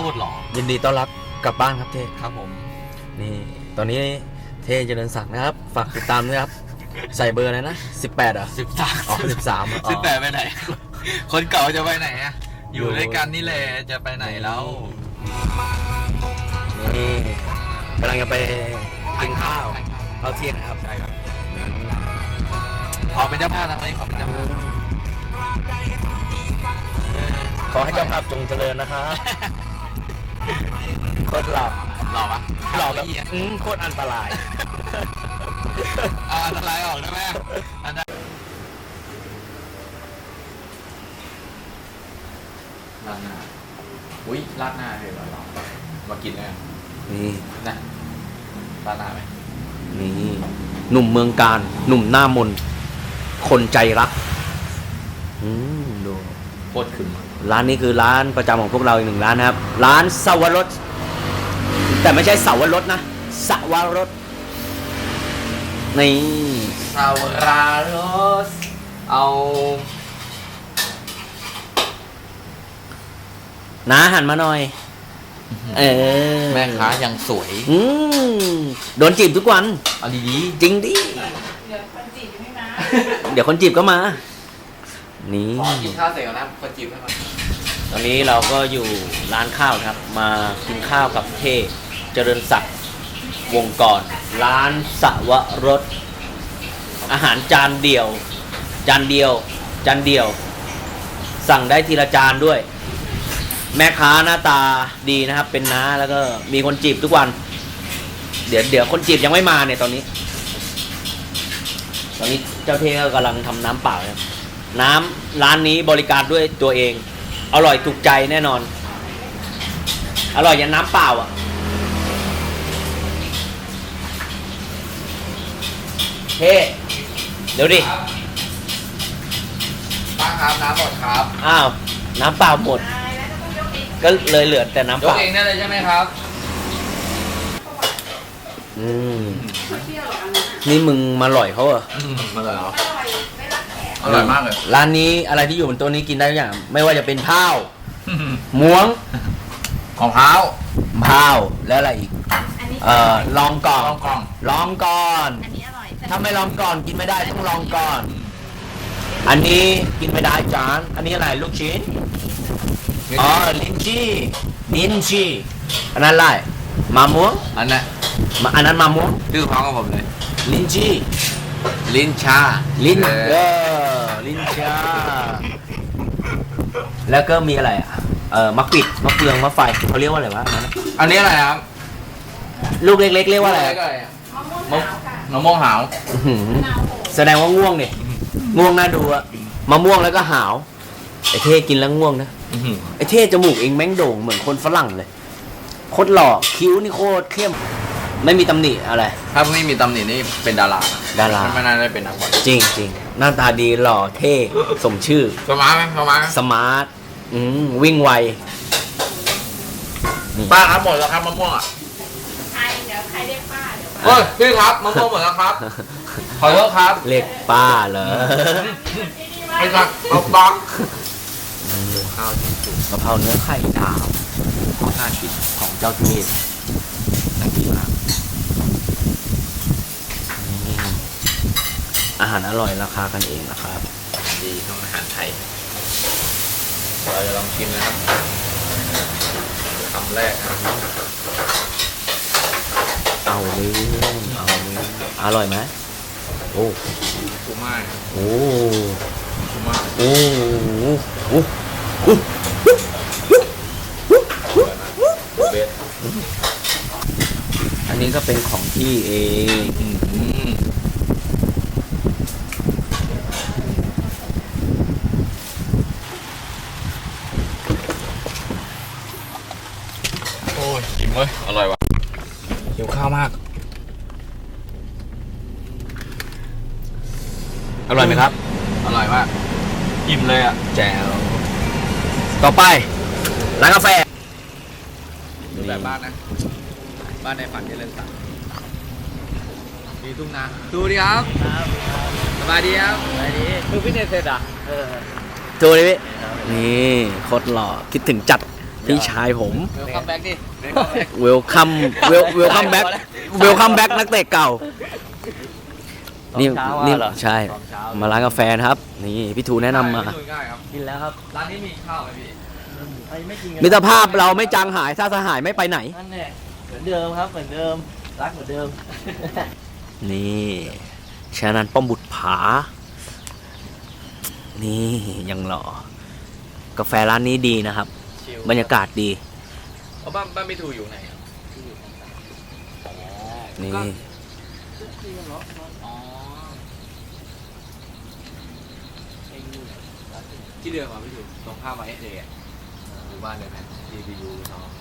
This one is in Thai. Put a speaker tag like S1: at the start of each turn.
S1: ตรหล่อ
S2: ยินดีต้อนรับกลับบ้านครับเท่
S1: ครับผม
S2: นี่ตอนนี้เท่เจริญศักดิ์นะครับฝากติดตามด้วยครับใส่เบอร์อะไรนะ18อ่ะ
S1: 13
S2: อ๋อ13
S1: 18ไปไหนคนเก่าจะไปไหนอะอยู่ด้วยกันนี่แหละจะไปไหนแล้ว
S2: นี่กำลังจะไปกินข้าวเที่ยงนะครับ
S1: ใช่ครับขอเป็นเจ้าภาพนะวันนี้ขอเป็นเจ้าภาพ
S2: ขอให้เจ้าภาพจงเจริญนะครับโคตรหล่อ
S1: ปะ
S2: หล่อแบบโคตรอันตราย
S1: อันตรายออกได้ไหมอันตรายราดหน้าอุ้ยราดหน้าเลยเหรอมากินเลย
S2: นี่
S1: นะราดหน้าไหม
S2: นี่หนุ่มเมืองการหนุ่มหน้ามนคนใจรักดู
S1: โคตรขึ้น
S2: ร้านนี้คือร้านประจำของพวกเราอีกหนึ่งร้านนะครับร้านสวรสแต่ไม่ใช่สวรสนะสวรสนี่
S1: สวรสเอา
S2: น้าหันมาหน่อย
S1: แม่ค้ายังสวย
S2: โดนจีบทุกวัน
S1: เอาดี
S2: ๆจริงดิ
S3: เดี๋ยวคนจีบไม่มา
S2: เดี๋ยวคนจีบก็มานี่
S1: ขอกินข้าวเสร็จแล้วนะคนจีบให้มา
S2: ตอนนี้เราก็อยู่ร้านข้าวครับมากินข้าวกับเท่เจริญศักดิ์วงกรร้านสวรสอาหารจานเดียวสั่งได้ทีละจานด้วยแม่ค้าหน้าตาดีนะครับเป็นน้าแล้วก็มีคนจีบทุกวันเดี๋ยวคนจีบยังไม่มาเนี่ยตอนนี้เจ้าเท่ก็กำลังทำน้ำเปล่าครับน้ำร้านนี้บริการด้วยตัวเองอร่อยถูกใจแน่นอนอร่อยยันน้ำเปล่าอ่ะเฮ้เดี๋ยวดิ
S1: ป้าครับน้ำหมดครับ
S2: อ้าวน้ำเปล่าหมดก็เลยเหลือแต่น้ำเปล่าย
S1: กเองได้เลยใช่ไหมครับ
S2: นี่มึงมาหล่อยเขาเหรอ
S1: มาเลยเหรออร่อยมากเลย
S2: ร้านนี้อะไรที่อยู่บนโต๊ะนี้กินได้ทุกอย่างไม่ว่าจะเป็นข้าวม้วง
S1: ของข้าว
S2: แล้วอะไรอีกลองก่อนถ้าไม่ลองก่อนกินไม่ได้ต้องลองก่อนอันนี้กินไม่ได้จานอันนี้อะไรลูกชิ้นลิ้นจี่อันนั้นอะไรมะม่วง
S1: อัน
S2: นั้นมะม่วง
S1: ดื้อพ้องกับผมเลย
S2: ลิ้นจี่
S1: ลิ้นชา
S2: ลิ้นชาแล้วก็มีอะไรมะกริดมะเฟืองมะไฟเขาเรียกว่าอะไรวะ
S1: อันนี้อะไรครับ
S2: ลูกเล็กๆเรียกว่าอะไร
S1: มะม่วงหาว
S2: แสดงว่าง่วงเนี่ยง่วงน่าดูอะมะม่วงแล้วก็หาวไอ้เท่กินแล้วง่วงนะไอ้เท่จมูกเองแม่งโด่งเหมือนคนฝรั่งเลยโคตรหล่อคิ้วนี่โคตรเข้มไม่มีตำหนิอะไร
S1: ถ้าไม่มีตำหนินี่เป็นดาราไม่น่าได้เป็นนักบอล
S2: จริงหน้าตาดีหล่อเท่สมชื่อ
S1: สมาร์ทไหม
S2: สมาร์ทวิ่งไว
S1: ป้าครับหมดแล้วครับมะม่วงอ่ะ
S3: เดี๋ยวใครเรียกป้าเดี๋ยว
S1: เฮ้ยพี่ครับมะม่วงหมดแล้วครับขอโทษครับ
S2: เรียกป้าเหรอ
S1: ไม่ใช่เอาปอก
S2: ข้าวที่สุกกะเพราเนื้อไข่ดาวน่ากินของเจ้าเทพน่ากินมากอาหารอร่อยราคากันเองนะครับ
S1: ดีต้องอาหารไทยเราจะลองชิมนะครับคำแรกนะครับ
S2: เอาเลยอร่อยไหมโอ้
S1: กูมาก
S2: โอ้
S1: กูมาก
S2: โอ้อันนี้ก็เป็นของพี่เอง
S1: โอ้ยอิ่มเลยอร่อยว่ะหิวข้าวมาก
S2: อร่อยไหมครับ
S1: อร่อยมากอิ่มเลยอ่ะแจ๋ว
S2: ต่อไปร้านกาแฟ
S1: ดูแบบบ้านนะบ้านในฝันที่เล่นสักมีทุ่งนาดูดิครับสบายดีครับ
S2: สบายดี
S1: ดูฟิตเนสเสร็จอ่ะ
S2: ดูดินี่โคตรหล่อคิดถึงจัดพี่ชายผม
S1: เวลคัมแบ็กดิ
S2: เวลคัมแบ็กนักเตะเก่า นี่ใช่ มาร้านกาแฟนะครับ นี่พี่ทูแนะนำมา
S1: ง่ายครับ
S4: กินแล้วครับ
S1: ร้านนี้มีข้าวไหมพี่
S4: ไม่กินกัน
S2: มิตรภาพเราไม่จางหายถ้าสหายไม่ไปไหน
S4: นั่นแหละเหมือนเดิมครับเหมือนเดิมรักเหมือนเดิม
S2: นี่ชานันป้อมบุตรผา นี่ยังหล่อกาแฟร้านนี้ดีนะครับ
S1: ชิล
S2: บรรยากาศดี
S1: เอาบ้านพี่ทูอยู่ไหนครับ
S2: นี่
S1: อ๋อที่เดิมอ่ะพี่ทูตรงข้ามมาเอสเอะหมู่บ้านเลยไหม DBU เนาะ